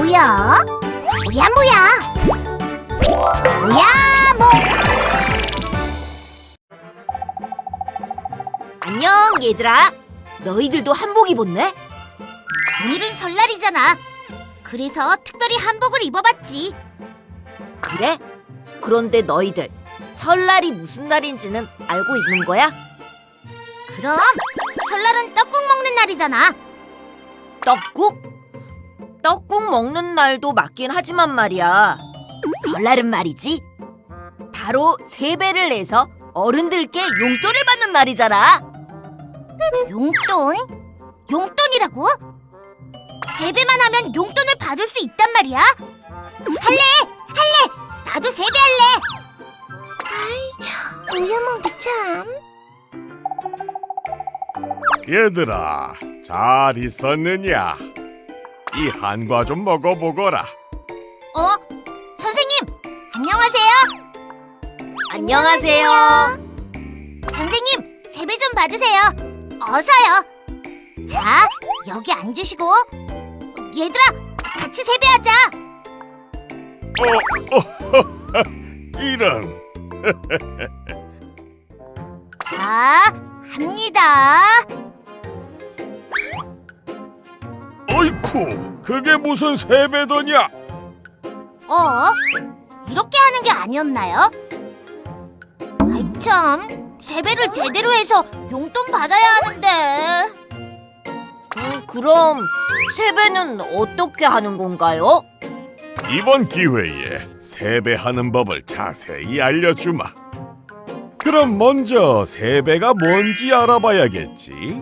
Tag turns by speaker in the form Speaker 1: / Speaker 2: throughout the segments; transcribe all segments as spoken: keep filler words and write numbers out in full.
Speaker 1: 뭐야? 뭐야 뭐야? 뭐야 뭐?
Speaker 2: 안녕 얘들아. 너희들도 한복 입었네?
Speaker 1: 오늘은 설날이잖아. 그래서 특별히 한복을 입어봤지.
Speaker 2: 그래? 그런데 너희들 설날이 무슨 날인지는 알고 있는 거야?
Speaker 1: 그럼 설날은 떡국 먹는 날이잖아.
Speaker 2: 떡국? 떡국 먹는 날도 맞긴 하지만 말이야. 설날은 말이지 바로 세배를 내서 어른들께 용돈을 받는 날이잖아.
Speaker 1: 용돈? 용돈이라고? 세배만 하면 용돈을 받을 수 있단 말이야? 할래! 할래! 나도 세배할래! 아이, 우유몽도 참.
Speaker 3: 얘들아, 잘 있었느냐? 이 한과 좀 먹어보거라.
Speaker 1: 어? 선생님! 안녕하세요!
Speaker 2: 안녕하세요.
Speaker 1: 선생님, 세배 좀 봐주세요. 어서요. 자, 여기 앉으시고. 얘들아, 같이 세배하자.
Speaker 3: 어, 어, 이런.
Speaker 1: 자, 합니다.
Speaker 3: 어이쿠, 그게 무슨 세배더냐?
Speaker 1: 어? 이렇게 하는 게 아니었나요? 아이 참, 세배를 제대로 해서 용돈 받아야 하는데.
Speaker 2: 음, 그럼 세배는 어떻게 하는 건가요?
Speaker 3: 이번 기회에 세배하는 법을 자세히 알려주마. 그럼 먼저 세배가 뭔지 알아봐야겠지.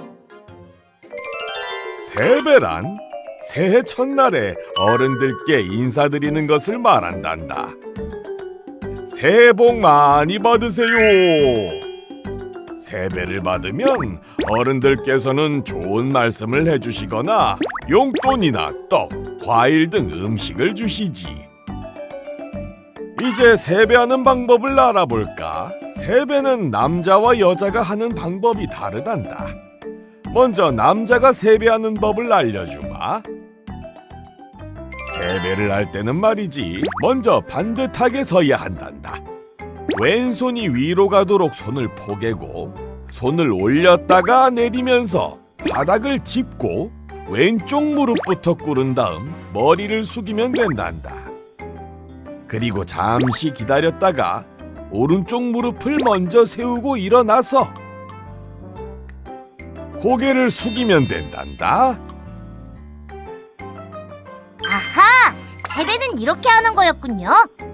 Speaker 3: 세배란 새해 첫날에 어른들께 인사드리는 것을 말한단다. 새해 복 많이 받으세요. 세배를 받으면 어른들께서는 좋은 말씀을 해주시거나 용돈이나 떡, 과일 등 음식을 주시지. 이제 세배하는 방법을 알아볼까? 세배는 남자와 여자가 하는 방법이 다르단다. 먼저 남자가 세배하는 법을 알려주마. 세배를 할 때는 말이지, 먼저 반듯하게 서야 한단다. 왼손이 위로 가도록 손을 포개고 손을 올렸다가 내리면서 바닥을 짚고 왼쪽 무릎부터 꿇은 다음 머리를 숙이면 된단다. 그리고 잠시 기다렸다가 오른쪽 무릎을 먼저 세우고 일어나서 고개를 숙이면 된단다.
Speaker 1: 아하! 세배는 이렇게 하는 거였군요.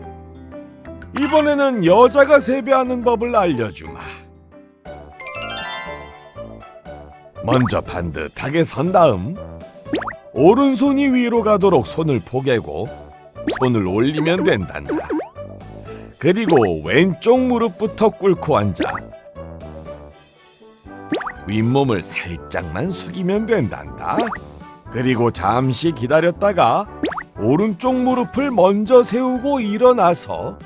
Speaker 3: 이번에는 여자가 세배하는 법을 알려주마. 먼저 반듯하게 선 다음 오른손이 위로 가도록 손을 포개고 손을 올리면 된단다. 그리고 왼쪽 무릎부터 꿇고 앉아 윗몸을 살짝만 숙이면 된단다. 그리고 잠시 기다렸다가 오른쪽 무릎을 먼저 세우고 일어나서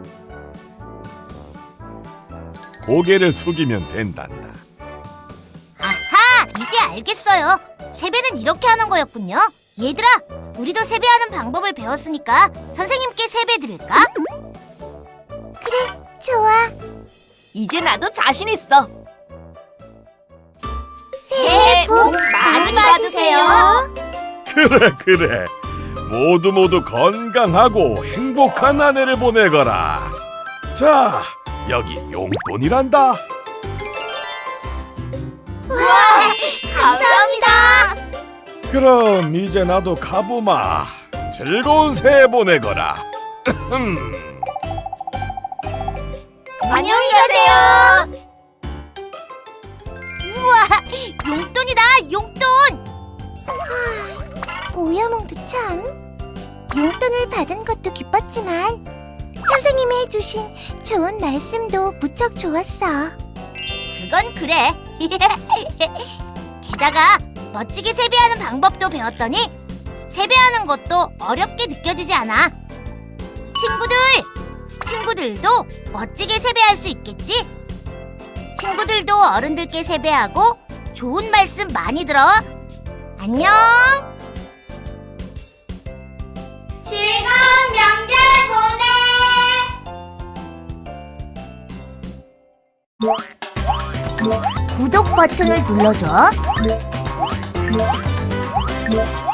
Speaker 3: 고개를 숙이면 된단다.
Speaker 1: 아하! 이제 알겠어요. 세배는 이렇게 하는 거였군요. 얘들아, 우리도 세배하는 방법을 배웠으니까 선생님께 세배 드릴까? 그래, 좋아.
Speaker 2: 이제 나도 자신 있어.
Speaker 1: 새해 복 많이 받으세요.
Speaker 3: 그래 그래, 모두 모두 건강하고 행복한 한 해를 보내거라. 자, 여기 용돈이란다.
Speaker 1: 감사합니다.
Speaker 3: 그럼 이제 나도 가보마. 즐거운 새해 보내거라.
Speaker 1: 안녕히 가세요. 우와, 용돈이다, 용돈. 오야몽도 참. 용돈을 받은 것도 기뻤지만 선생님이 해주신 좋은 말씀도 무척 좋았어. 그건 그래. 게다가 멋지게 세배하는 방법도 배웠더니 세배하는 것도 어렵게 느껴지지 않아. 친구들, 친구들도 멋지게 세배할 수 있겠지? 친구들도 어른들께 세배하고 좋은 말씀 많이 들어. 안녕. 구독 버튼을 눌러줘.